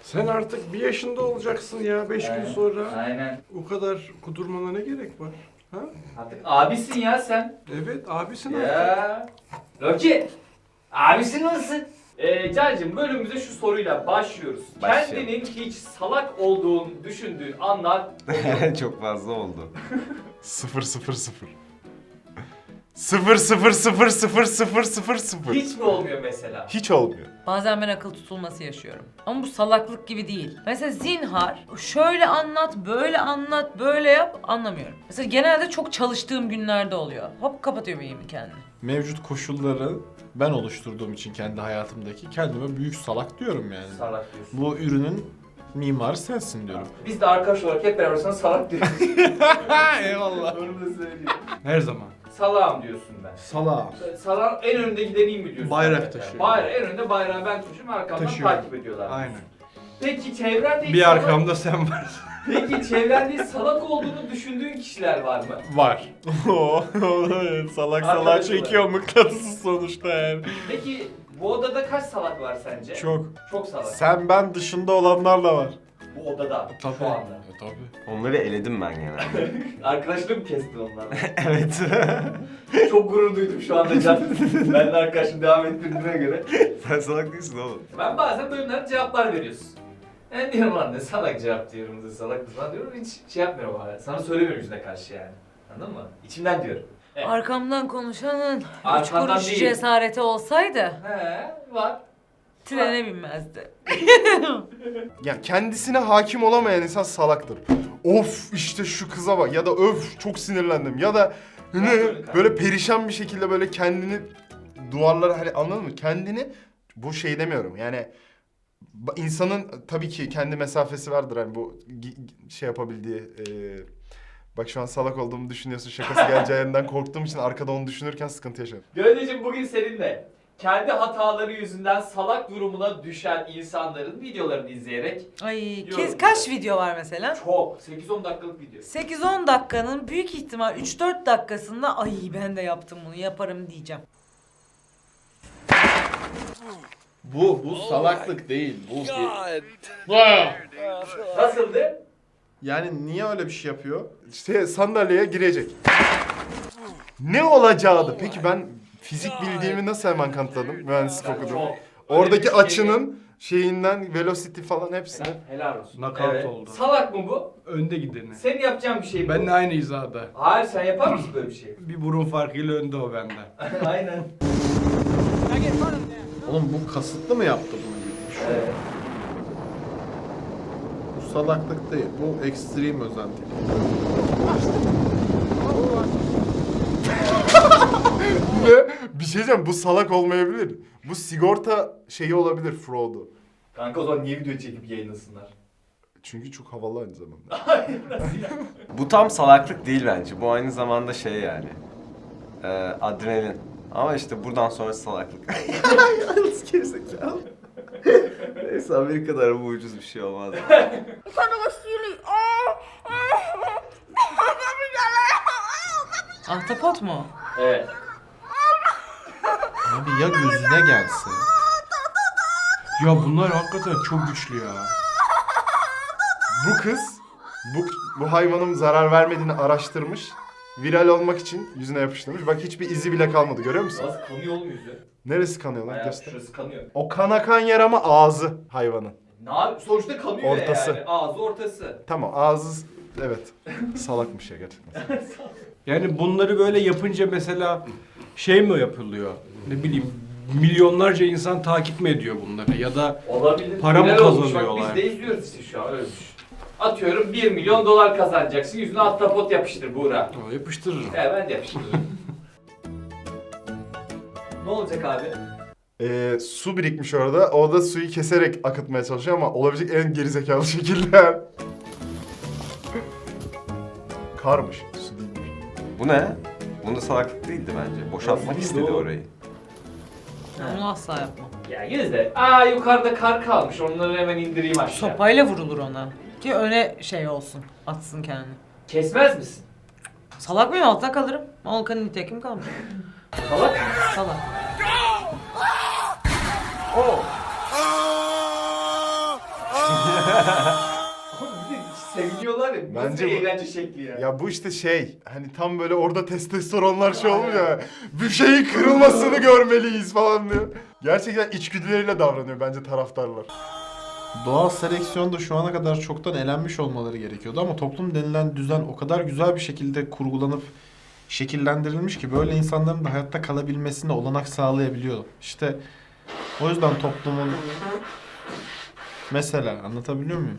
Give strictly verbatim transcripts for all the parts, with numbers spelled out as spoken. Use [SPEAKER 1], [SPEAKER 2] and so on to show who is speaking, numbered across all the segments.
[SPEAKER 1] Sen artık bir yaşında olacaksın ya beş gün sonra.
[SPEAKER 2] Aynen.
[SPEAKER 1] O kadar kudurmana ne gerek var? Ha?
[SPEAKER 2] Artık abisin ya sen.
[SPEAKER 1] Evet abisin artık.
[SPEAKER 2] Ya. Rocky. Abisin nasılsın? Ee, Can'cığım bölümümüze şu soruyla başlıyoruz.
[SPEAKER 3] Başlayalım.
[SPEAKER 2] Kendinin hiç salak olduğunu düşündüğün anlar
[SPEAKER 3] Çok fazla oldu.
[SPEAKER 4] Sıfır sıfır sıfır. Sıfır sıfır sıfır sıfır sıfır sıfır sıfır.
[SPEAKER 2] hiç mi olmuyor mesela?
[SPEAKER 4] Hiç olmuyor.
[SPEAKER 5] Bazen ben akıl tutulması yaşıyorum. Ama bu salaklık gibi değil. Mesela zinhar, şöyle anlat, böyle anlat, böyle yap, anlamıyorum. Mesela genelde çok çalıştığım günlerde oluyor. Hop kapatıyor beynimi kendini.
[SPEAKER 4] Mevcut koşulları ben oluşturduğum için kendi hayatımdaki kendime büyük salak diyorum yani.
[SPEAKER 2] Salak diyorsun.
[SPEAKER 4] Bu ürünün mimarı sensin diyorum.
[SPEAKER 2] Biz de arkadaş olarak hep beraber sana salak diyoruz.
[SPEAKER 4] Eyvallah.
[SPEAKER 2] Onu da söyleyeyim.
[SPEAKER 1] Her zaman.
[SPEAKER 2] Salağım diyorsun ben.
[SPEAKER 1] Salağım.
[SPEAKER 2] Salağın en önünde gideneyim mi diyorsun?
[SPEAKER 1] Bayrak
[SPEAKER 2] mesela?
[SPEAKER 1] taşıyor.
[SPEAKER 2] Bayrak, en önde bayrağı ben taşıyorum, arkamdan
[SPEAKER 1] Taşıyorum.
[SPEAKER 2] takip ediyorlar.
[SPEAKER 1] Aynen.
[SPEAKER 2] Peki çevrende hiç
[SPEAKER 1] Bir
[SPEAKER 2] salak-
[SPEAKER 1] arkamda sen varsın.
[SPEAKER 2] Peki çevrende hiç salak olduğunu düşündüğün kişiler var mı?
[SPEAKER 4] Var. salak salak
[SPEAKER 2] Arkadaş
[SPEAKER 4] çekiyor mıknatısı sonuçta yani.
[SPEAKER 2] Peki bu odada kaç salak var sence?
[SPEAKER 4] Çok.
[SPEAKER 2] Çok salak.
[SPEAKER 4] Sen ben dışında olanlar da var.
[SPEAKER 2] Bu odada
[SPEAKER 1] Tabii.
[SPEAKER 2] şu anda.
[SPEAKER 4] E tabii.
[SPEAKER 3] Onları eledim ben genelde.
[SPEAKER 2] Arkadaşlığı mı kestin onlarla?
[SPEAKER 3] Evet.
[SPEAKER 2] Çok gurur duydum şu anda Can. Ben de arkadaşım devam ettirdiğine göre.
[SPEAKER 3] Sen salak değilsin oğlum.
[SPEAKER 2] Ben bazen bölümlerde cevaplar veriyorsun. Ben diyorum lan ne salak cevap diyorum, ne salak mısın diyorum, hiç şey yapmıyorum hala. Sana söylemiyorum yüzüne karşı yani. Anladın mı? İçimden diyorum. Evet.
[SPEAKER 5] Arkamdan konuşanın üç
[SPEAKER 2] Arkandan
[SPEAKER 5] kuruş
[SPEAKER 2] değil.
[SPEAKER 5] cesareti olsaydı
[SPEAKER 2] He var.
[SPEAKER 5] trene binmezdi.
[SPEAKER 4] Ya kendisine hakim olamayan insan salaktır. Of işte şu kıza bak ya da öf çok sinirlendim ya da ne böyle perişan bir şekilde böyle kendini duvarlara hani anladın mı? Kendini bu şey demiyorum yani ba- insanın tabii ki kendi mesafesi vardır hani bu gi- gi- şey yapabildiği e, bak şu an salak olduğumu düşünüyorsun şakası geleceğinden korktuğum için arkada onu düşünürken sıkıntı yaşıyorum.
[SPEAKER 2] Gözdeciğim bugün seninle kendi hataları yüzünden salak durumuna düşen insanların videolarını izleyerek
[SPEAKER 5] Ay
[SPEAKER 2] Yorum.
[SPEAKER 5] kes, kaç video var mesela?
[SPEAKER 2] çok sekiz on dakikalık video.
[SPEAKER 5] sekiz on dakikanın büyük ihtimal üç dört dakikasında ay ben de yaptım bunu yaparım diyeceğim.
[SPEAKER 4] Bu bu salaklık değil bu.
[SPEAKER 2] Nasıldı?
[SPEAKER 4] Yani niye öyle bir şey yapıyor? İşte sandalyeye girecek. Ne olacağı peki ben fizik bildiğimi nasıl hemen kanıtladım? Mühendislik
[SPEAKER 2] Ben
[SPEAKER 4] okudum.
[SPEAKER 2] çok-
[SPEAKER 4] Oradaki
[SPEAKER 2] Öyle bir şey
[SPEAKER 4] açının şeyinden velocity falan hepsini.
[SPEAKER 2] Helal olsun.
[SPEAKER 1] Knockout oldu.
[SPEAKER 2] Salak mı bu?
[SPEAKER 1] Önde gideni.
[SPEAKER 2] Senin yapacağın bir şey mi bu?
[SPEAKER 1] Benle aynı hizada.
[SPEAKER 2] Hayır, sen yapar mısın böyle bir şey?
[SPEAKER 1] Bir burun farkıyla önde o benden.
[SPEAKER 2] Aynen.
[SPEAKER 4] Oğlum bu kasıtlı mı yaptı bunu?
[SPEAKER 2] Evet.
[SPEAKER 4] Bu salaklık değil. Bu ekstrem özenti. Ne? Bir şey diyeceğim bu salak olmayabilir. Bu sigorta şeyi olabilir fraud'u.
[SPEAKER 2] Kanka o zaman niye video çekip yayınlasınlar?
[SPEAKER 4] Çünkü çok havalı aynı zamanda.
[SPEAKER 3] Bu tam salaklık değil bence. Bu aynı zamanda şey yani. Ee, adrenalin. Ama işte buradan sonra salaklık. Yalnız gerizekalı. Neyse Amerika'da araba ucuz bir şey olmaz.
[SPEAKER 5] Ahtapot mu?
[SPEAKER 2] Evet.
[SPEAKER 4] Abi ya gözüne gelse?
[SPEAKER 1] Ya bunlar hakikaten çok güçlü ya.
[SPEAKER 4] Bu kız bu, bu hayvanın zarar vermediğini araştırmış. Viral olmak için yüzüne yapıştırmış. Bak hiçbir izi bile kalmadı görüyor musun?
[SPEAKER 2] Nasıl kanıyor oğlum yüzü?
[SPEAKER 4] Neresi kanıyor lan?
[SPEAKER 2] Bayağı
[SPEAKER 4] Göster.
[SPEAKER 2] şurası kanıyor.
[SPEAKER 4] O kan akan yer ama ağzı hayvanın.
[SPEAKER 2] Ne yap? Sonuçta kanıyor
[SPEAKER 4] Ortası.
[SPEAKER 2] yani. Ağzı ortası.
[SPEAKER 4] Tamam ağzı evet. Salakmış ya gerçekten.
[SPEAKER 1] Yani bunları böyle yapınca mesela şey mi yapılıyor? Ne bileyim milyonlarca insan takip mi ediyor bunları ya da
[SPEAKER 2] Olabilir.
[SPEAKER 1] Para mı
[SPEAKER 2] Viral olmuş. Bak
[SPEAKER 1] kazanıyorlar?
[SPEAKER 2] Biz de izliyoruz işte şu an öyle düşün. Atıyorum bir milyon dolar kazanacaksın. Yüzüne ahtapot yapıştır Buğra.
[SPEAKER 1] o yapıştırırım.
[SPEAKER 2] He ben de yapıştırırım. Ne olacak abi?
[SPEAKER 4] Ee, su birikmiş orada. O da suyu keserek akıtmaya çalışıyor ama olabilecek en gerizekalı şekilde. Karmış. Su değilmiş.
[SPEAKER 3] Bu ne? Bunda salaklık değildi bence. Boşaltmak
[SPEAKER 2] Nasıl
[SPEAKER 3] istedi
[SPEAKER 2] doğru?
[SPEAKER 3] orayı.
[SPEAKER 5] Onu asla yapmam.
[SPEAKER 2] Ya yine de aa yukarıda kar kalmış. Onları hemen indireyim aşağı.
[SPEAKER 5] Sopayla vurulur ona. Ki öne şey olsun. Atsın kendini.
[SPEAKER 2] Kesmez misin?
[SPEAKER 5] Salak mıyım? Altta kalırım. Volkan'ın nitekim kalmış.
[SPEAKER 2] Salak mı?
[SPEAKER 5] Salak.
[SPEAKER 2] Oo. Bir de seviniyorlar ya. Nasıl
[SPEAKER 4] Bence
[SPEAKER 2] bir
[SPEAKER 4] bu-
[SPEAKER 2] eğlence şekli ya.
[SPEAKER 4] Ya bu işte şey hani tam böyle orada testosteronlar şey olmuş ya. Bir şeyin kırılmasını görmeliyiz falan diyor. Gerçekten içgüdüleriyle davranıyor bence taraftarlar.
[SPEAKER 6] Doğal seleksiyonda şu ana kadar çoktan elenmiş olmaları gerekiyordu ama toplum denilen düzen o kadar güzel bir şekilde kurgulanıp şekillendirilmiş ki böyle insanların da hayatta kalabilmesine olanak sağlayabiliyor. İşte o yüzden toplumun mesela anlatabiliyor muyum?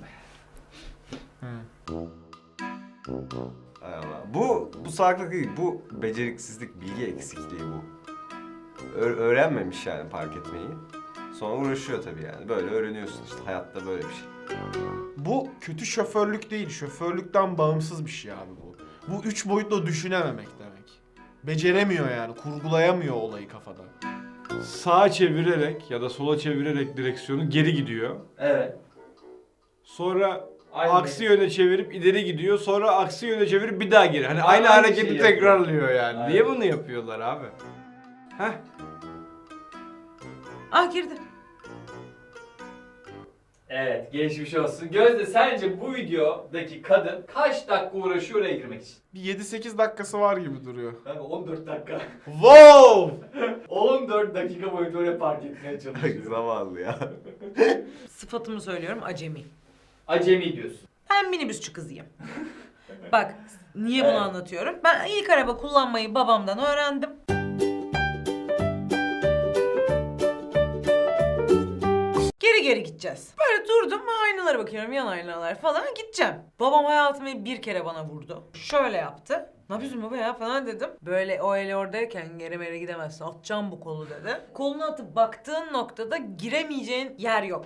[SPEAKER 3] Hay Allah. Bu, bu salaklık değil, bu beceriksizlik, bilgi eksikliği bu. Ö- öğrenmemiş yani fark etmeyi. Sonra uğraşıyor tabii yani. Böyle öğreniyorsun işte, hayatta böyle bir şey.
[SPEAKER 6] Bu kötü şoförlük değil, şoförlükten bağımsız bir şey abi bu. Bu üç boyutlu düşünememek demek. Beceremiyor yani, kurgulayamıyor olayı kafada.
[SPEAKER 1] Sağa çevirerek ya da sola çevirerek direksiyonu geri gidiyor.
[SPEAKER 2] Evet.
[SPEAKER 1] Sonra
[SPEAKER 2] Aynı
[SPEAKER 1] aksi yöne çevirip ileri gidiyor. Sonra aksi yöne çevirip bir daha geri. Hani
[SPEAKER 2] Aynı
[SPEAKER 1] aynı hareketi
[SPEAKER 2] şeyi yapıyor.
[SPEAKER 1] tekrarlıyor yani.
[SPEAKER 2] Aynen.
[SPEAKER 1] Niye bunu yapıyorlar abi? Heh.
[SPEAKER 5] Ah girdi.
[SPEAKER 2] Evet, geçmiş olsun. Gözde, sence bu videodaki kadın kaç dakika uğraşıyor oraya girmek için?
[SPEAKER 6] Bir yedi sekiz dakikası var gibi duruyor.
[SPEAKER 2] Kanka on dört dakika.
[SPEAKER 6] Wow!
[SPEAKER 2] on dört dakika boyunca oraya park etmeye çalışıyor.
[SPEAKER 3] Zavallı ya.
[SPEAKER 5] Sıfatımı söylüyorum, acemi.
[SPEAKER 2] Acemi diyorsun.
[SPEAKER 5] Ben minibüsçü kızıyım. Bak, niye bunu
[SPEAKER 2] Evet.
[SPEAKER 5] anlatıyorum? Ben ilk araba kullanmayı babamdan öğrendim. Geri geri gideceğiz. Böyle durdum, aynalara bakıyorum, yan aynalar falan, gideceğim. Babam hayatımı bir kere bana vurdu. Şöyle yaptı. Ne yapıyorsun baba ya falan dedim. Böyle o el oradayken geri meri gidemezsin, atacağım bu kolu dedi. Kolunu atıp baktığın noktada giremeyeceğin yer yok.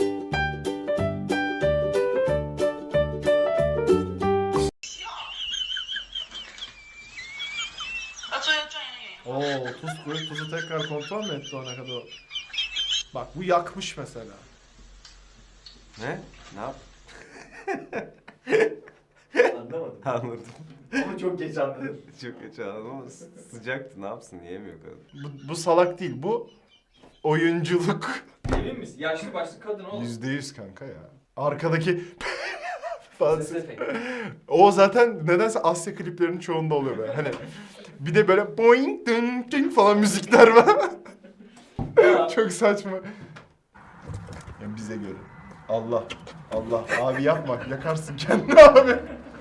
[SPEAKER 6] Oo, tuz koyup tuzu tekrar kontrol mü etti ona kadar? Bak bu yakmış mesela.
[SPEAKER 3] Ne? Ne yap?
[SPEAKER 2] Anlamadım.
[SPEAKER 3] Anladım.
[SPEAKER 2] Ama çok geç anladım.
[SPEAKER 3] Çok geç anladım ama sı- sıcaktı, ne yapsın, yiyemiyor kadın.
[SPEAKER 4] Bu, bu salak değil bu oyunculuk.
[SPEAKER 2] Emin misin? Yaşlı başlı kadın oğlum.
[SPEAKER 4] Yüzde yüz kanka ya. Arkadaki falan.
[SPEAKER 2] Ses efekti.
[SPEAKER 4] O zaten nedense Asya kliplerinin çoğunda oluyor böyle. Hani bir de böyle boing ding ding falan müzikler var.
[SPEAKER 2] Ya.
[SPEAKER 4] Çok saçma. Yani bize göre. Allah. Allah. Abi yapma. Yakarsın kendini abi.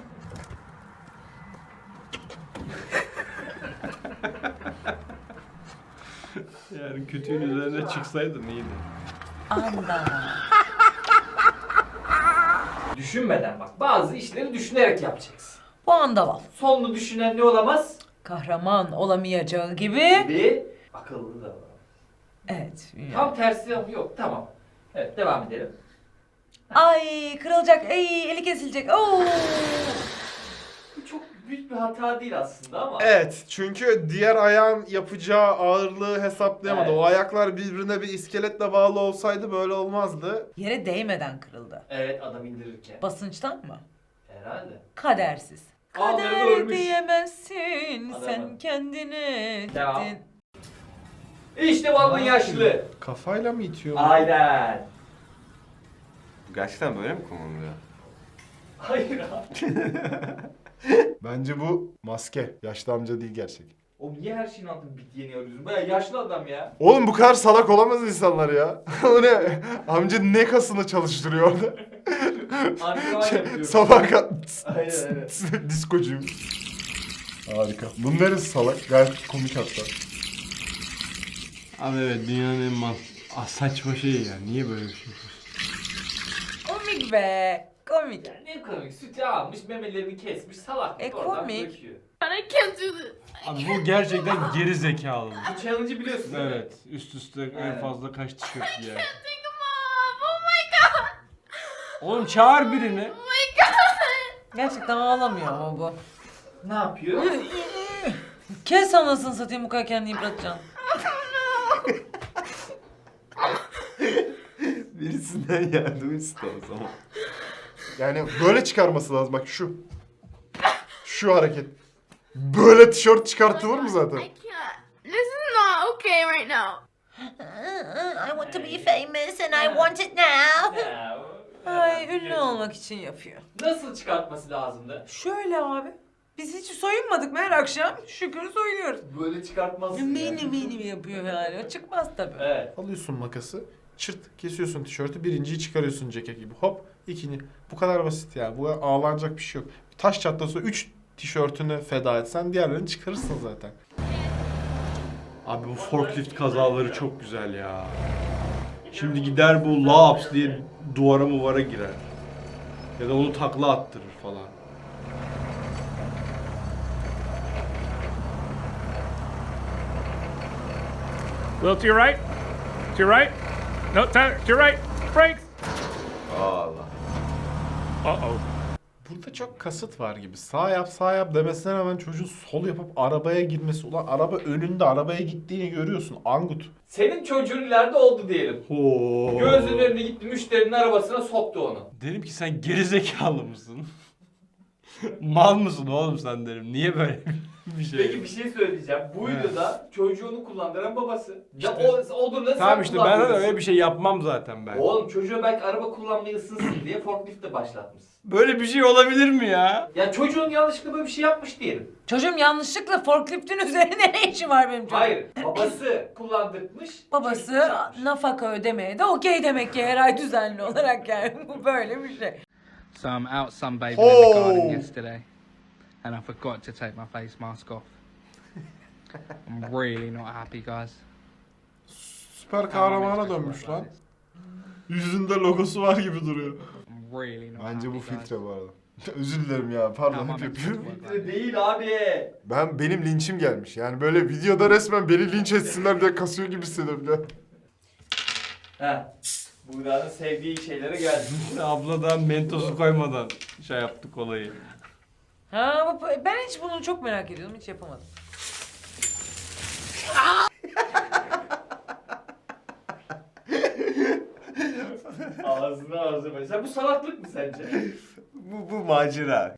[SPEAKER 1] Yani kötüğün üzerine çıksaydın iyiydi.
[SPEAKER 5] Anda.
[SPEAKER 2] Düşünmeden bak. Bazı işleri düşünerek yapacaksın.
[SPEAKER 5] Bu andaval.
[SPEAKER 2] Sonunu düşünen ne olamaz?
[SPEAKER 5] Kahraman olamayacağı gibi.
[SPEAKER 2] Bir akıllı da var.
[SPEAKER 5] Evet.
[SPEAKER 2] Tam tersi ama yok. Tamam. Evet, devam edelim.
[SPEAKER 5] Ay kırılacak, ay eli kesilecek. Oo.
[SPEAKER 2] Bu çok büyük bir hata değil aslında ama.
[SPEAKER 6] Evet, çünkü diğer ayağın yapacağı ağırlığı hesaplayamadı.
[SPEAKER 2] Evet.
[SPEAKER 6] O ayaklar birbirine bir iskeletle bağlı olsaydı böyle olmazdı.
[SPEAKER 5] Yere değmeden kırıldı.
[SPEAKER 2] Evet, adam indirirken.
[SPEAKER 5] Basınçtan mı?
[SPEAKER 2] Herhalde.
[SPEAKER 5] Kadersiz.
[SPEAKER 2] Ağları
[SPEAKER 5] Kader
[SPEAKER 2] örmüş.
[SPEAKER 5] diyemezsin
[SPEAKER 2] Adamı.
[SPEAKER 5] sen kendine.
[SPEAKER 2] Devam.
[SPEAKER 5] dedin.
[SPEAKER 2] İşte bu adamın yaşlı.
[SPEAKER 6] Kafayla mı itiyor?
[SPEAKER 2] Aynen.
[SPEAKER 3] Bu gerçekten böyle mi kullanılıyor?
[SPEAKER 2] Hayır abi.
[SPEAKER 4] Bence bu maske. Yaşlı amca değil gerçek.
[SPEAKER 2] O niye her şeyin altında bit yeni arıyorsun? Baya yaşlı adam ya.
[SPEAKER 4] Oğlum bu kadar salak olamaz insanlar ya. O ne? Amca ne kasını çalıştırıyor orada?
[SPEAKER 2] Antrenman
[SPEAKER 4] Şey,
[SPEAKER 2] yapıyorum.
[SPEAKER 4] sabah kalk.
[SPEAKER 2] Aynen aynen.
[SPEAKER 4] Diskocuyum. Harika. Bunun neresi salak? Gayet komik hatta.
[SPEAKER 1] Abi evet, dünyanın en mal... Ah, saçma şey ya. Niye böyle bir şey yapıyorsun?
[SPEAKER 5] Komik be. Komik.
[SPEAKER 2] Ya ne komik, sütü almış, memelerini kesmiş, salak.
[SPEAKER 5] E,
[SPEAKER 2] oradan
[SPEAKER 5] komik.
[SPEAKER 2] döküyor.
[SPEAKER 1] Abi bu gerçekten geri zekalı.
[SPEAKER 2] Bu challenge'ı biliyorsun değil mi?
[SPEAKER 1] Evet. Üst üste en
[SPEAKER 2] Evet.
[SPEAKER 1] fazla kaç tişört giyer? Oğlum çağır birini.
[SPEAKER 5] Gerçekten ağlamıyor ama bu.
[SPEAKER 2] Ne yapıyor?
[SPEAKER 5] Kes anasını satayım, bu kadar kendini yıpratacaksın.
[SPEAKER 3] Birisinden yardım iste o zaman.
[SPEAKER 4] Yani böyle çıkarması lazım. Bak şu. Şu hareket. Böyle tişört çıkartılır mı zaten?
[SPEAKER 7] I can't. This is not okay right now.
[SPEAKER 5] I want to be famous and I want it now.
[SPEAKER 2] Ya, o-
[SPEAKER 5] Ay ünlü olmak için yapıyor.
[SPEAKER 2] Nasıl çıkartması lazımdı?
[SPEAKER 5] Şöyle abi. Biz hiç soyunmadık mı her akşam? Şükür soyunuyoruz.
[SPEAKER 2] Böyle çıkartmazsın
[SPEAKER 5] Benim benim yapıyor yani. O çıkmaz tabii.
[SPEAKER 2] Evet.
[SPEAKER 6] Alıyorsun makası, çırt kesiyorsun tişörtü, birinciyi çıkarıyorsun ceket gibi. Hop, ikinci. Bu kadar basit ya. Bu ağlanacak bir şey yok. Bir taş çatlasa üç tişörtünü feda etsen diğerlerini çıkarırsın zaten.
[SPEAKER 1] Abi bu forklift kazaları çok güzel ya. Şimdi gider bu laps diye duvara muvara girer. Ya da onu takla attırır falan.
[SPEAKER 8] Little to your right. To your right. No, to to your right. Brakes.
[SPEAKER 3] Allah.
[SPEAKER 8] Uh-oh.
[SPEAKER 6] Burada çok kasıt var gibi. Sağ yap sağ yap demesine rağmen çocuğun sol yapıp arabaya girmesi. Ulan araba önünde arabaya gittiğini görüyorsun. Angut.
[SPEAKER 2] Senin çocuğun ileride oldu diyelim.
[SPEAKER 1] Oo.
[SPEAKER 2] Gözünün önüne gitti, müşterinin arabasına soktu onu.
[SPEAKER 1] Derim ki sen gerizekalı mısın? Mal mısın oğlum sen derim. Niye böyle bir şey?
[SPEAKER 2] Peki bir şey söyleyeceğim. Bu
[SPEAKER 1] Evet.
[SPEAKER 2] videoda çocuğunu kullandıran babası. Ya
[SPEAKER 1] İşte-
[SPEAKER 2] o olur nasıl
[SPEAKER 1] Tamam işte ben de
[SPEAKER 2] kullandırırsın?
[SPEAKER 1] öyle bir şey yapmam zaten ben.
[SPEAKER 2] Oğlum çocuğa belki araba kullanmayı ısınsın diye forklift de başlatmışsın.
[SPEAKER 1] Böyle bir şey olabilir mi ya?
[SPEAKER 2] Ya çocuğun yanlışlıkla böyle bir şey yapmış diyelim.
[SPEAKER 5] Çocuğum yanlışlıkla forkliftin üzerinde ne işi var benim çocuğum?
[SPEAKER 2] Hayır, babası kullandırmış.
[SPEAKER 5] Babası
[SPEAKER 2] çocuk yapmış.
[SPEAKER 5] nafaka ödemeye de okey demek ki her ay düzenli olarak yani. Bu böyle bir şey.
[SPEAKER 9] So I'm out sunbathing in the garden
[SPEAKER 4] Oh.
[SPEAKER 9] yesterday, and I forgot to take my face mask off. I'm really not happy, guys.
[SPEAKER 6] Süper kahramana dönmüş lan. Yüzünde logosu var gibi duruyor.
[SPEAKER 9] I'm really not
[SPEAKER 4] Bence
[SPEAKER 9] happy,
[SPEAKER 4] bu
[SPEAKER 9] guys.
[SPEAKER 4] filtre bu arada. Özür dilerim ya.
[SPEAKER 9] How
[SPEAKER 4] Pardon
[SPEAKER 9] am I
[SPEAKER 4] hep
[SPEAKER 9] meant to
[SPEAKER 4] yapıyorum.
[SPEAKER 9] work like
[SPEAKER 2] Filtre değil abi.
[SPEAKER 4] Ben benim linçim gelmiş. Yani böyle videoda resmen beni linç etsinler diye kasıyor gibi hissediyorum ya.
[SPEAKER 2] Heh. Buğra'nın sevdiği şeylere geldi.
[SPEAKER 1] Abladan mentosu koymadan şey yaptık olayı.
[SPEAKER 5] Ha bu, ben hiç bunu çok merak ediyordum. Hiç yapamadım.
[SPEAKER 2] Ağzına ağzına. Sen bu salaklık mı sence?
[SPEAKER 3] Bu, bu macera.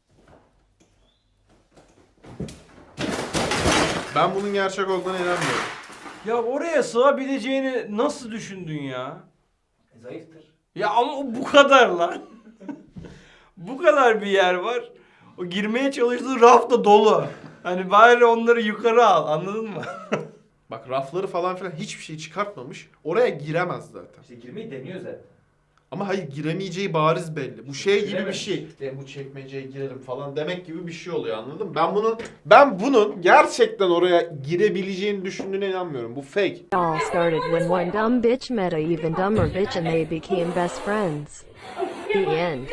[SPEAKER 6] Ben bunun gerçek olduğuna inanmıyorum.
[SPEAKER 1] Ya oraya sığabileceğini nasıl düşündün ya?
[SPEAKER 2] Zayıftır.
[SPEAKER 1] Ya ama o bu kadar lan. Bu kadar bir yer var. O girmeye çalıştığı raf da dolu. Hani bari onları yukarı al, anladın mı?
[SPEAKER 6] Bak rafları falan filan hiçbir şey çıkartmamış. Oraya giremez zaten.
[SPEAKER 2] İşte girmeyi deniyor zaten.
[SPEAKER 6] Ama hayır giremeyeceği bariz belli. Bu şey gibi bir
[SPEAKER 2] Girememiş.
[SPEAKER 6] şey. De bu çekmeceye girelim falan demek gibi bir şey oluyor anladın mı? Ben bunun ben bunun gerçekten oraya girebileceğini düşündüğüne inanmıyorum. Bu fake.
[SPEAKER 10] It all started when one dumb bitch met a even dumber bitch and they became best friends. The end.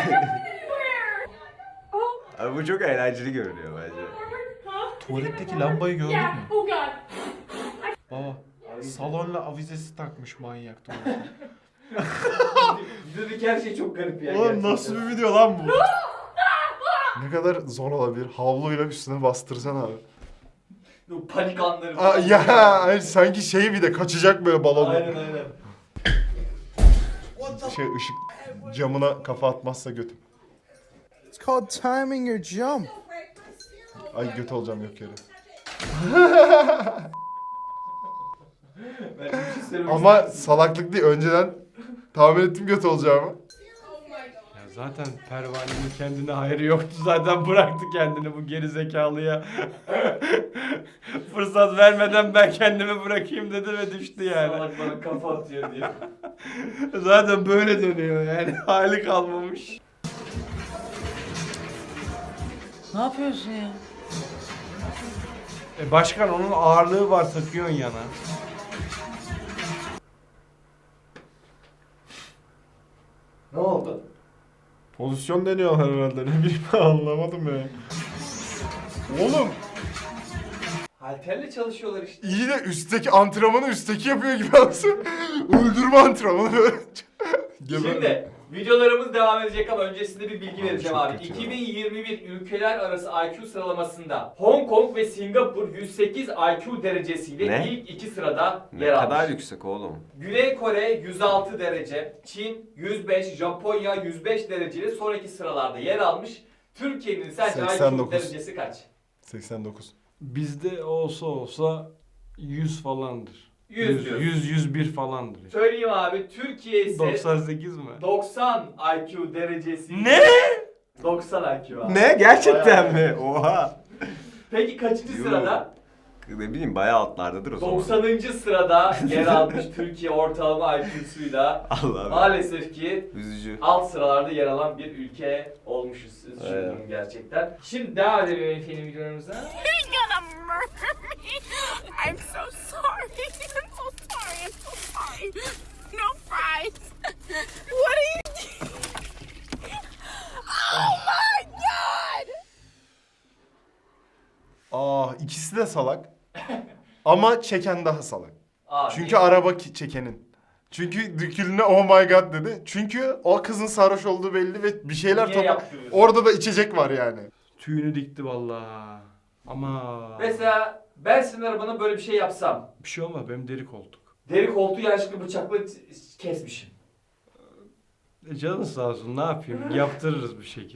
[SPEAKER 3] Abi bu çok eğlenceli görünüyor bence.
[SPEAKER 6] Tuvaletteki lambayı gördün mü?
[SPEAKER 7] Oh god.
[SPEAKER 6] Baba salonla avizesi takmış manyak tuvalete.
[SPEAKER 2] Videodaki her şey çok garip ya.
[SPEAKER 6] Oğlum
[SPEAKER 2] gerçekten.
[SPEAKER 6] nasıl bir video lan bu?
[SPEAKER 4] Ne kadar zor olabilir. Havluyla üstüne bastırsan abi.
[SPEAKER 2] Bu panik anları.
[SPEAKER 4] Aa,
[SPEAKER 2] falan.
[SPEAKER 4] ya hani sanki şey bir de kaçacak böyle balon.
[SPEAKER 2] Aynen aynen.
[SPEAKER 4] Şey ışık camına kafa atmazsa götüm.
[SPEAKER 11] It's called timing your jump.
[SPEAKER 4] Ay göt olacağım yok yere.
[SPEAKER 2] Ben bir şey söylemek
[SPEAKER 4] Ama
[SPEAKER 2] ister misin?
[SPEAKER 4] salaklık değil. Önceden tahmin ettim göt olacağımı.
[SPEAKER 1] Ya zaten pervanenin kendine hayrı yoktu zaten bıraktı kendini bu geri zekalıya. Fırsat vermeden ben kendimi bırakayım dedi ve düştü yani.
[SPEAKER 2] Salak bana kafa atıyor diye.
[SPEAKER 1] Zaten böyle dönüyor yani hali kalmamış.
[SPEAKER 5] Ne yapıyorsun ya?
[SPEAKER 1] E başkan onun ağırlığı var takıyorsun yana.
[SPEAKER 2] Ne oldu?
[SPEAKER 6] Pozisyon deniyorlar herhalde ne bileyim anlamadım ya.
[SPEAKER 4] Oğlum
[SPEAKER 2] Halterle çalışıyorlar işte.
[SPEAKER 4] iyi de üstteki antrenmanı üstteki yapıyor gibi aslında. Öldürme antrenmanı böyle. Geber-
[SPEAKER 2] Şimdi videolarımız devam edecek ama öncesinde bir bilgi
[SPEAKER 4] Abi
[SPEAKER 2] vereceğim
[SPEAKER 4] çok
[SPEAKER 2] abi.
[SPEAKER 4] kötü ya.
[SPEAKER 2] iki bin yirmi bir ülkeler arası I Q sıralamasında Hong Kong ve Singapur yüz sekiz I Q derecesiyle
[SPEAKER 3] Ne?
[SPEAKER 2] ilk iki sırada
[SPEAKER 3] Ne
[SPEAKER 2] yer
[SPEAKER 3] kadar
[SPEAKER 2] almış.
[SPEAKER 3] yüksek oğlum.
[SPEAKER 2] Güney Kore yüz altı derece, Çin yüz beş, Japonya yüz beş dereceyle sonraki sıralarda yer almış. Türkiye'nin sence I Q
[SPEAKER 4] seksen dokuz.
[SPEAKER 2] derecesi kaç?
[SPEAKER 4] seksen dokuz.
[SPEAKER 1] Bizde olsa olsa yüz falandır.
[SPEAKER 2] yüz diyorsun.
[SPEAKER 1] yüz yüz bir falandır.
[SPEAKER 2] Söyleyeyim abi, Türkiye ise
[SPEAKER 1] doksan sekiz mi?
[SPEAKER 2] doksan I Q derecesi.
[SPEAKER 1] Ne?
[SPEAKER 2] doksan I Q abi.
[SPEAKER 3] Ne? Gerçekten
[SPEAKER 2] Bayağı.
[SPEAKER 3] mi? Oha.
[SPEAKER 2] Peki kaçıncı
[SPEAKER 3] Yuh.
[SPEAKER 2] sırada?
[SPEAKER 3] Ne bileyim bayağı altlardadır o zaman.
[SPEAKER 2] doksanıncı sırada yer almış Türkiye ortalama I Q'suyla
[SPEAKER 3] Allah
[SPEAKER 2] maalesef ki
[SPEAKER 3] Üzücü.
[SPEAKER 2] alt sıralarda yer alan bir ülke olmuşuz. Üzücü
[SPEAKER 3] Evet.
[SPEAKER 2] durum gerçekten. Şimdi devam edelim efendim videolarımıza.
[SPEAKER 7] You're gonna murder me. I'm so sorry. I'm so sorry. I'm so sorry. No fries. What are you doing? Oh my god!
[SPEAKER 4] Ah, ikisi de salak. Ama çeken daha salak.
[SPEAKER 2] Aa,
[SPEAKER 4] Çünkü
[SPEAKER 2] niye?
[SPEAKER 4] araba ki- çekenin. Çünkü dükülüne oh my god dedi. Çünkü o kızın sarhoş olduğu belli ve bir şeyler
[SPEAKER 2] Niye
[SPEAKER 4] topa...
[SPEAKER 2] yaptırıyorsun?
[SPEAKER 4] Orada da içecek var yani.
[SPEAKER 1] Tüyünü dikti vallahi. Ama
[SPEAKER 2] Mesela ben senin arabana böyle bir şey yapsam.
[SPEAKER 1] bir şey olmaz, benim deri koltuk.
[SPEAKER 2] Deri koltuğu yanlışlıkla bıçakla t- kesmişim.
[SPEAKER 1] E canın sağ olsun, ne yapayım? Yaptırırız bir şekil.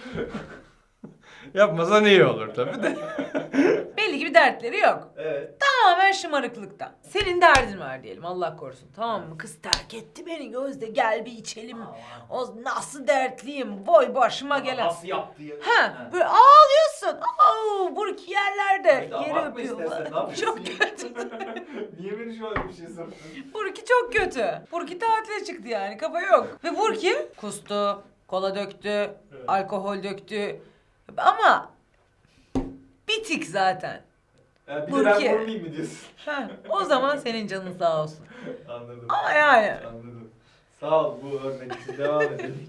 [SPEAKER 1] Yapmasan iyi olur tabii de.
[SPEAKER 5] Belli ki bir dertleri yok.
[SPEAKER 2] Evet.
[SPEAKER 5] Tamamen şımarıklıktan. Senin derdin var diyelim, Allah korusun, tamam mı? Kız terk etti beni Gözde, gel bir içelim. O nasıl dertliyim, boy başıma gelen.
[SPEAKER 2] Nasıl yaptı ya?
[SPEAKER 5] Ha, böyle ağlıyorsun. Oo, burki yerlerde.
[SPEAKER 2] Evet,
[SPEAKER 5] Yeri
[SPEAKER 2] abartma
[SPEAKER 5] öpüyor
[SPEAKER 2] istersen, ne
[SPEAKER 5] falan.
[SPEAKER 2] yapıyorsun
[SPEAKER 5] Çok
[SPEAKER 2] ya?
[SPEAKER 5] kötü.
[SPEAKER 2] Niye beni şu an bir şey soruyorsun?
[SPEAKER 5] Burki çok kötü. Burki tatile çıktı yani, kafa yok. Ve Burki kustu, kola döktü, alkol döktü. Ama bitik zaten.
[SPEAKER 2] Yani bir de
[SPEAKER 5] Burki.
[SPEAKER 2] ben vurmayayım mı diyorsun?
[SPEAKER 5] Ha, o zaman senin canın sağ olsun.
[SPEAKER 2] Anladım.
[SPEAKER 5] Ama yani.
[SPEAKER 2] Anladım. Sağ ol bu örnek için. Devam edelim.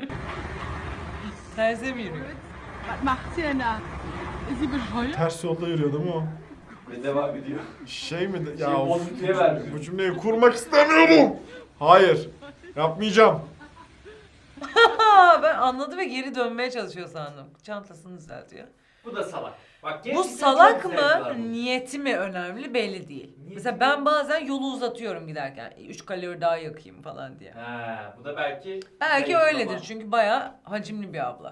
[SPEAKER 5] Terse mi yürüyor?
[SPEAKER 6] Ters yolda yürüyor değil mi o?
[SPEAKER 2] Ve devam ediyor.
[SPEAKER 6] Şey mi? de-
[SPEAKER 2] Şey,
[SPEAKER 6] Ya of,
[SPEAKER 2] bozuntuya vermiyor.
[SPEAKER 6] bu cümleyi kurmak istemiyorum. Hayır. Yapmayacağım.
[SPEAKER 5] Ha, ben anladı ve geri dönmeye çalışıyor sandım. Çantasını düzeltiyor.
[SPEAKER 2] Bu da salak. Bak,
[SPEAKER 5] Bu
[SPEAKER 2] gerçekten
[SPEAKER 5] salak
[SPEAKER 2] çok zevkli var
[SPEAKER 5] mı,
[SPEAKER 2] bu.
[SPEAKER 5] niyeti mi önemli belli değil.
[SPEAKER 2] Niyeti
[SPEAKER 5] Mesela
[SPEAKER 2] mi?
[SPEAKER 5] ben bazen yolu uzatıyorum giderken. üç kalori daha yakayım falan diye.
[SPEAKER 2] Ha, bu da belki...
[SPEAKER 5] Belki
[SPEAKER 2] zayıf
[SPEAKER 5] öyledir
[SPEAKER 2] ama.
[SPEAKER 5] çünkü bayağı hacimli bir abla.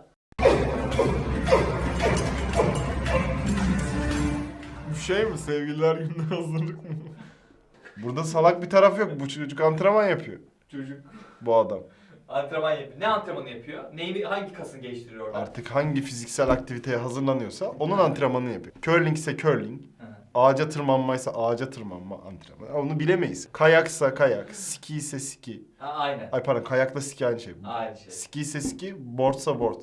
[SPEAKER 4] Bu şey mi? Sevgililer gününe hazırlık mı? Burada salak bir taraf yok. Bu çocuk antrenman yapıyor.
[SPEAKER 2] Çocuk
[SPEAKER 4] Bu adam.
[SPEAKER 2] antrenman yapıyor. Ne antrenmanı yapıyor? Neyini, hangi kasını geliştiriyor orada?
[SPEAKER 4] Artık hangi fiziksel aktiviteye hazırlanıyorsa onun antrenmanını yapıyor. Curling ise curling.
[SPEAKER 2] Hı hı.
[SPEAKER 4] Ağaca tırmanmaysa ağaca tırmanma antrenmanı. Onu bilemeyiz. Kayaksa kayak, ski ise ski.
[SPEAKER 2] Ha, aynen.
[SPEAKER 4] Ay pardon, kayakla ski aynı şey.
[SPEAKER 2] Aynı şey.
[SPEAKER 4] Ski ise ski, boardsa board.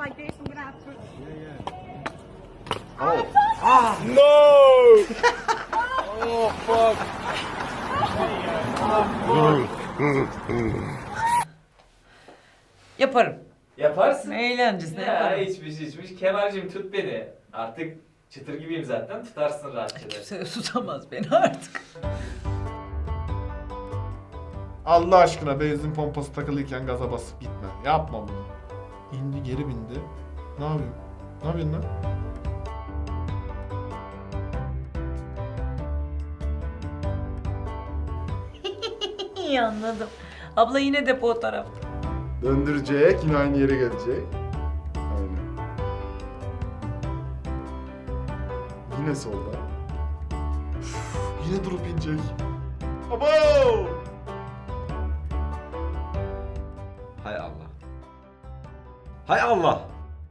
[SPEAKER 5] Yaparım.
[SPEAKER 2] Yaparsın.
[SPEAKER 5] Eğlencesine
[SPEAKER 2] Ya
[SPEAKER 5] yaparım.
[SPEAKER 2] içmiş içmiş. Kemal'cim tut beni. Artık çıtır gibiyim zaten. Tutarsın rahatça da.
[SPEAKER 5] Kimse tutamaz beni artık.
[SPEAKER 6] Allah aşkına benzin pompası takılıyken gaza basıp gitme. Yapma bunu. İndi geri bindi. Ne yapıyorsun? Ne yapıyorsun lan?
[SPEAKER 5] İyi anladım. Abla yine depo o tarafta.
[SPEAKER 4] Döndürecek, yine aynı yere gelecek. Aynen. Yine solda. Üf, yine durup inecek. Abo!
[SPEAKER 3] Hay Allah. Hay Allah.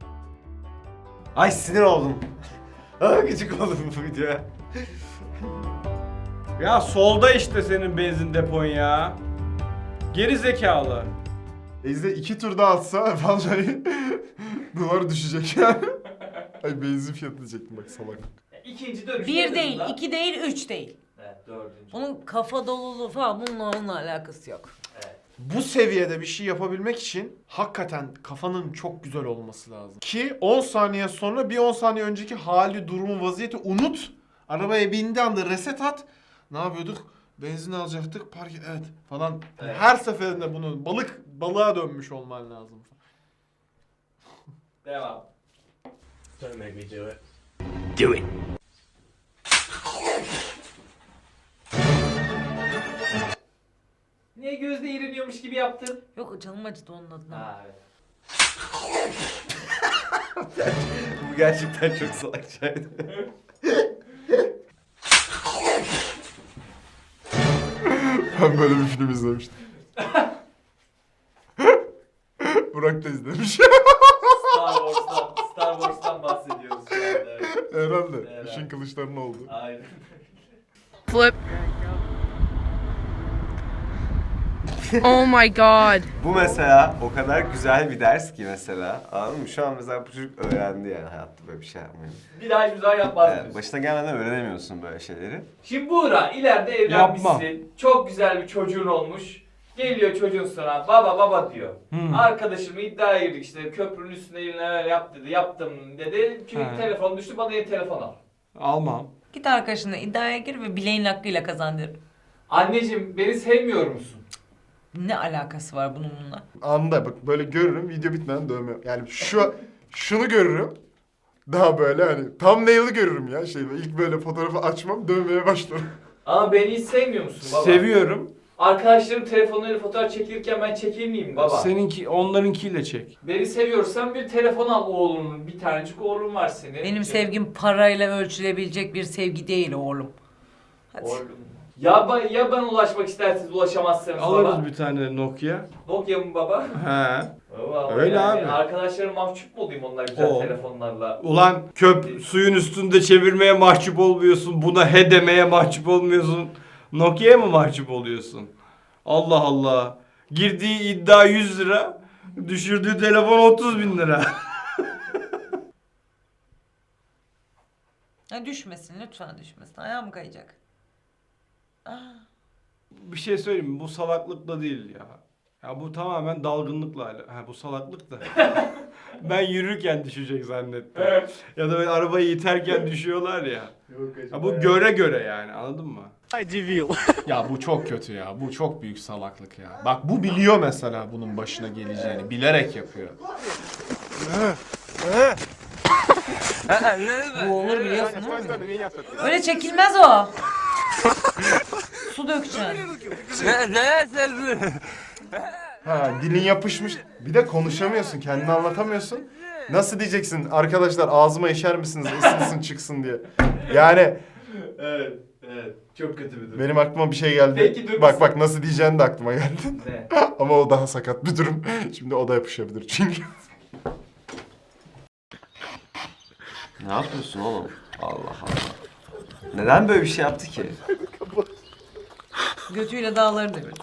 [SPEAKER 3] Ay sinir oldum. Ah gıcık oldum bu videoya.
[SPEAKER 1] Ya solda işte senin benzin depon ya. Geri zekalı.
[SPEAKER 4] Ezde iki tur daha atsa vallahi duvar düşecek yani. Ay benzin fiyatı diyecektim bak salak.
[SPEAKER 2] İkinci dönüşte
[SPEAKER 5] Bir
[SPEAKER 2] en
[SPEAKER 5] değil,
[SPEAKER 2] azından-
[SPEAKER 5] iki değil, üç değil.
[SPEAKER 2] Evet, dördüncü.
[SPEAKER 5] Onun kafa doluluğu falan bununla onunla alakası yok.
[SPEAKER 2] Evet.
[SPEAKER 6] Bu seviyede bir şey yapabilmek için hakikaten kafanın çok güzel olması lazım. Ki on saniye sonra bir on saniye önceki hali, durumu, vaziyeti unut. Arabaya bindiği anda reset at. Ne yapıyorduk? Benzin alacaktık, park evet falan.
[SPEAKER 2] Evet.
[SPEAKER 6] Her seferinde bunu balık balığa dönmüş olman lazım.
[SPEAKER 2] Devam.
[SPEAKER 8] Don't make me do it.
[SPEAKER 3] Do it.
[SPEAKER 2] Niye gözde iğreniyormuş gibi yaptın?
[SPEAKER 5] Yok, canım acıdı onun adına.
[SPEAKER 2] Ha evet.
[SPEAKER 3] Bu gerçekten çok salakçaydı.
[SPEAKER 4] Ben böyle bir film izlemiştim. Burak da izlemiş.
[SPEAKER 2] Star Wars'tan, Star Wars'tan bahsediyoruz şu anda. Evet.
[SPEAKER 4] Herhalde.
[SPEAKER 2] Herhalde.
[SPEAKER 4] İşin kılıçlarının oldu.
[SPEAKER 2] Aynen.
[SPEAKER 7] Flip. Oh my god.
[SPEAKER 3] Bu mesela o kadar güzel bir ders ki mesela. Anladın mı? Şu an mesela bu çocuk öğrendi yani hayatta böyle bir şey yapmayı.
[SPEAKER 2] Bir daha hiçbir zaman yapmaz
[SPEAKER 3] Evet,
[SPEAKER 2] diyorsun.
[SPEAKER 3] başına gelmeden öğrenemiyorsun böyle şeyleri.
[SPEAKER 2] Şimdi Buğra ileride evlenmişsin. Çok güzel bir çocuğun olmuş. Geliyor çocuğun sana baba baba diyor.
[SPEAKER 1] Hmm.
[SPEAKER 2] Arkadaşım iddiaya girdik işte köprünün üstünde neler yap dedi. Yaptım dedi. Çünkü
[SPEAKER 1] He.
[SPEAKER 2] telefon düştü bana yeni telefon al.
[SPEAKER 1] Almam.
[SPEAKER 5] Git arkadaşınla iddiaya gir ve bileğin hakkıyla kazan derim.
[SPEAKER 2] Anneciğim beni sevmiyor musun?
[SPEAKER 5] Ne alakası var bunun bununla?
[SPEAKER 4] Anında bak böyle görürüm video bitmeden dövme. Yani şu şunu görürüm. Daha böyle hani thumbnail'ı görürüm ya şey ilk böyle fotoğrafı açmam dövmeye başlarım.
[SPEAKER 2] Ama beni hiç sevmiyor musun baba?
[SPEAKER 1] Seviyorum.
[SPEAKER 2] Arkadaşlarım telefonlarıyla fotoğraf çekilirken ben çekeyim miyim baba?
[SPEAKER 1] Seninki, onlarınkiyle çek.
[SPEAKER 2] Beni seviyorsan bir telefon al oğlunun. Bir tanecik oğlun var senin.
[SPEAKER 5] Benim sevgim parayla ölçülebilecek bir sevgi değil oğlum. Hadi.
[SPEAKER 2] Oğlum. Ya, ben, ya ben ulaşmak isterseniz ulaşamazsınız
[SPEAKER 1] Alırız
[SPEAKER 2] baba.
[SPEAKER 1] bir tane Nokia.
[SPEAKER 2] Nokia mı baba?
[SPEAKER 1] He.
[SPEAKER 2] Baba,
[SPEAKER 1] Öyle
[SPEAKER 2] yani
[SPEAKER 1] abi.
[SPEAKER 2] Arkadaşlarım mahcup mu olayım onlar güzel
[SPEAKER 1] O.
[SPEAKER 2] telefonlarla?
[SPEAKER 1] Ulan köp suyun üstünde çevirmeye mahcup olmuyorsun. Buna he demeye mahcup olmuyorsun. Nokia'ya mı mahcup oluyorsun? Allah Allah. Girdiği iddia yüz lira. Düşürdüğü telefon otuz bin lira.
[SPEAKER 5] Ya düşmesin lütfen düşmesin. Ayağım kayacak. Ah.
[SPEAKER 1] Bir şey söyleyeyim mi? Bu salaklıkla değil ya. Ya bu tamamen dalgınlıkla ala- Ha bu salaklık da. Ben yürürken düşecek zannettim. Ya da böyle arabayı iterken düşüyorlar ya. Ya bu göre göre yani anladın mı?
[SPEAKER 6] Ya bu çok kötü ya. Bu çok büyük salaklık ya. Bak bu biliyor mesela bunun başına geleceğini. Bilerek yapıyor.
[SPEAKER 5] Bu olur biliyorsun değil mi? Öyle çekilmez o. Su dökeceksin.
[SPEAKER 4] Ha dilin yapışmış. Bir de konuşamıyorsun, kendini anlatamıyorsun. Nasıl diyeceksin arkadaşlar ağzıma işer misiniz ısınsın çıksın diye. Yani
[SPEAKER 2] Evet, evet. Çok kötü bir durum.
[SPEAKER 4] benim aklıma bir şey geldi.
[SPEAKER 2] Peki, dur
[SPEAKER 4] bak
[SPEAKER 2] bir-
[SPEAKER 4] bak nasıl diyeceğin de aklıma geldi.
[SPEAKER 2] Ne?
[SPEAKER 4] Ama o daha sakat bir durum. Şimdi o da yapışabilir çünkü.
[SPEAKER 3] Ne yapıyorsun oğlum? Allah Allah. Neden böyle bir şey yaptı ki?
[SPEAKER 5] Götüyle dağları devirdi.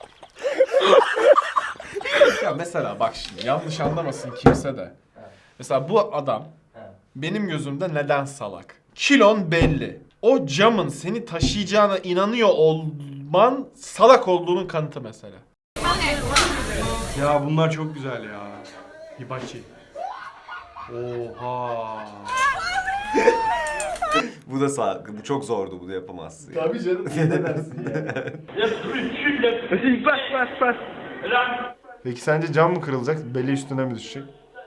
[SPEAKER 6] Ya mesela bak şimdi yanlış anlamasın kimse de. Mesela bu adam benim gözümde neden salak? Kilon belli. O camın seni taşıyacağına inanıyor olman salak olduğunun kanıtı mesela.
[SPEAKER 1] Ya bunlar çok güzel ya. Hibachi. Oha.
[SPEAKER 3] Bu da sağlıklı. Bu çok zordu. Bunu yapamazsın. Yani.
[SPEAKER 2] Tabii canım ne dersin ya?
[SPEAKER 4] Peki sence cam mı kırılacak, beli üstüne mi düşecek?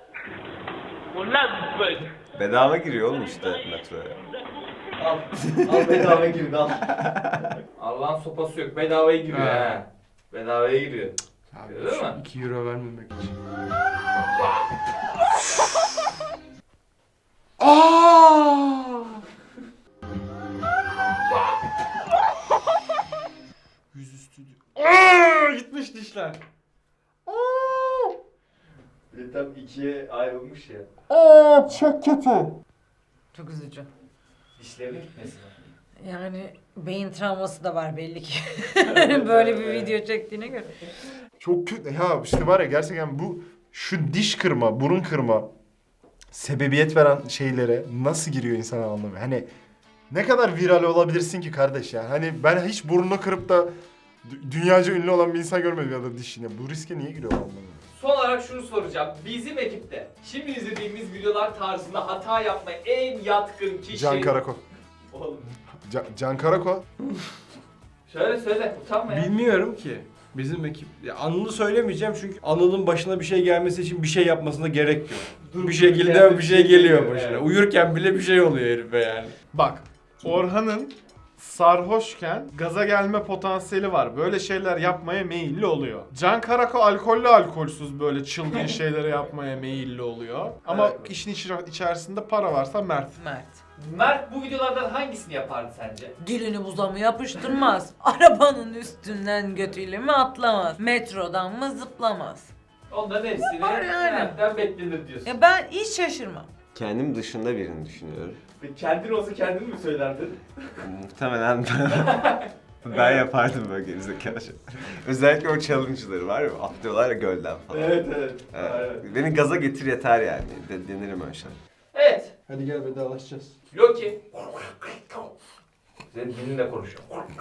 [SPEAKER 3] Bedava giriyor oğlum işte metroya.
[SPEAKER 2] Al. Al bedava girdi al. Allah'ın sopası yok. Bedavaya giriyor
[SPEAKER 1] Ha.
[SPEAKER 2] ha. Bedavaya giriyor.
[SPEAKER 1] Abi
[SPEAKER 2] Değil mi?
[SPEAKER 1] iki euro vermemek için. Aa! Yüzüstü. Aa! Gitmiş dişler. Aa!
[SPEAKER 2] Bir de tam ikiye ayrılmış ya.
[SPEAKER 4] Aa çok kötü.
[SPEAKER 5] Çok üzücü.
[SPEAKER 2] Dişlerine gitmesin.
[SPEAKER 5] Yani beyin travması da var belli ki. Böyle bir video çektiğine göre.
[SPEAKER 4] Çok kötü. Ya işte var ya gerçekten bu şu diş kırma, burun kırma sebebiyet veren şeylere nasıl giriyor insan anlamıyor. Hani ne kadar viral olabilirsin ki kardeş ya. Hani ben hiç burnunu kırıp da dü- dünyaca ünlü olan bir insan görmedim ya da dişine. Bu riske niye giriyor anlamıyorum.
[SPEAKER 2] Son olarak şunu soracağım. Bizim ekipte şimdi izlediğimiz videolar tarzında hata yapmaya en yatkın kişi...
[SPEAKER 4] Can Karako.
[SPEAKER 2] Oğlum.
[SPEAKER 4] Can, Can Karako.
[SPEAKER 2] Söyle söyle utanma ya.
[SPEAKER 1] Bilmiyorum ki. Bizim ekip... Ya Anıl'ı söylemeyeceğim çünkü Anıl'ın başına bir şey gelmesi için bir şey yapmasına gerek yok.
[SPEAKER 2] Dur,
[SPEAKER 1] bir şekilde
[SPEAKER 2] dururken
[SPEAKER 1] bir şey geliyor başına.
[SPEAKER 2] Evet.
[SPEAKER 1] Uyurken bile bir şey oluyor herife yani.
[SPEAKER 6] Bak Orhan'ın sarhoşken gaza gelme potansiyeli var. Böyle şeyler yapmaya meyilli oluyor. Can Karako alkollü alkolsüz böyle çılgın şeyleri yapmaya meyilli oluyor. Ama
[SPEAKER 2] Evet.
[SPEAKER 6] işin içi- içerisinde para varsa Mert.
[SPEAKER 5] Mert.
[SPEAKER 2] Mert bu videolardan hangisini yapardı sence?
[SPEAKER 5] Dilini buza mı yapıştırmaz? Arabanın üstünden götüyle mi atlamaz? Metrodan mı zıplamaz?
[SPEAKER 2] Onların hepsini
[SPEAKER 5] Yapar yani.
[SPEAKER 2] Mert'ten beklenir diyorsun.
[SPEAKER 5] Ya ben hiç şaşırmam.
[SPEAKER 3] Kendim dışında birini düşünüyorum.
[SPEAKER 2] Peki kendin olsa kendin mi söylerdin?
[SPEAKER 3] Muhtemelen ben, ben yapardım böyle gerizekalı şeyler. Özellikle o challenge'ları var ya, atlıyorlar ya gölden falan.
[SPEAKER 2] Evet evet.
[SPEAKER 3] Evet.
[SPEAKER 2] Aynen.
[SPEAKER 3] Beni gaza getir yeter yani. De, denirim öyle şey.
[SPEAKER 2] Evet.
[SPEAKER 11] Hadi gel vedalaşacağız.
[SPEAKER 2] Loki. Senin dilinle konuşuyor.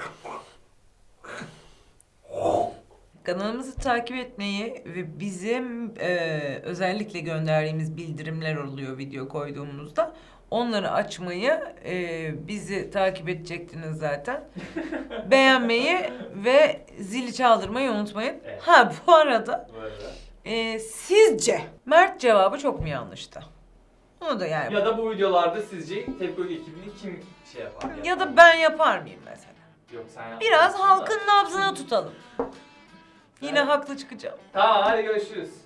[SPEAKER 5] Kanalımızı takip etmeyi ve bizim e, özellikle gönderdiğimiz bildirimler oluyor video koyduğumuzda. Onları açmayı, e, bizi takip edecektiniz zaten. Beğenmeyi ve zili çaldırmayı unutmayın.
[SPEAKER 2] Evet.
[SPEAKER 5] Ha bu arada
[SPEAKER 2] Bu arada.
[SPEAKER 5] e, sizce Mert cevabı çok mu yanlıştı? Onu da yani.
[SPEAKER 2] Ya da bu videolarda sizce Tepki ekibini kim şey yapar?
[SPEAKER 5] Ya da ben yapar mıyım mesela?
[SPEAKER 2] Yok sen yap.
[SPEAKER 5] Biraz halkın nabzına tutalım. Yine haklı çıkacağım.
[SPEAKER 2] Tamam hadi görüşürüz.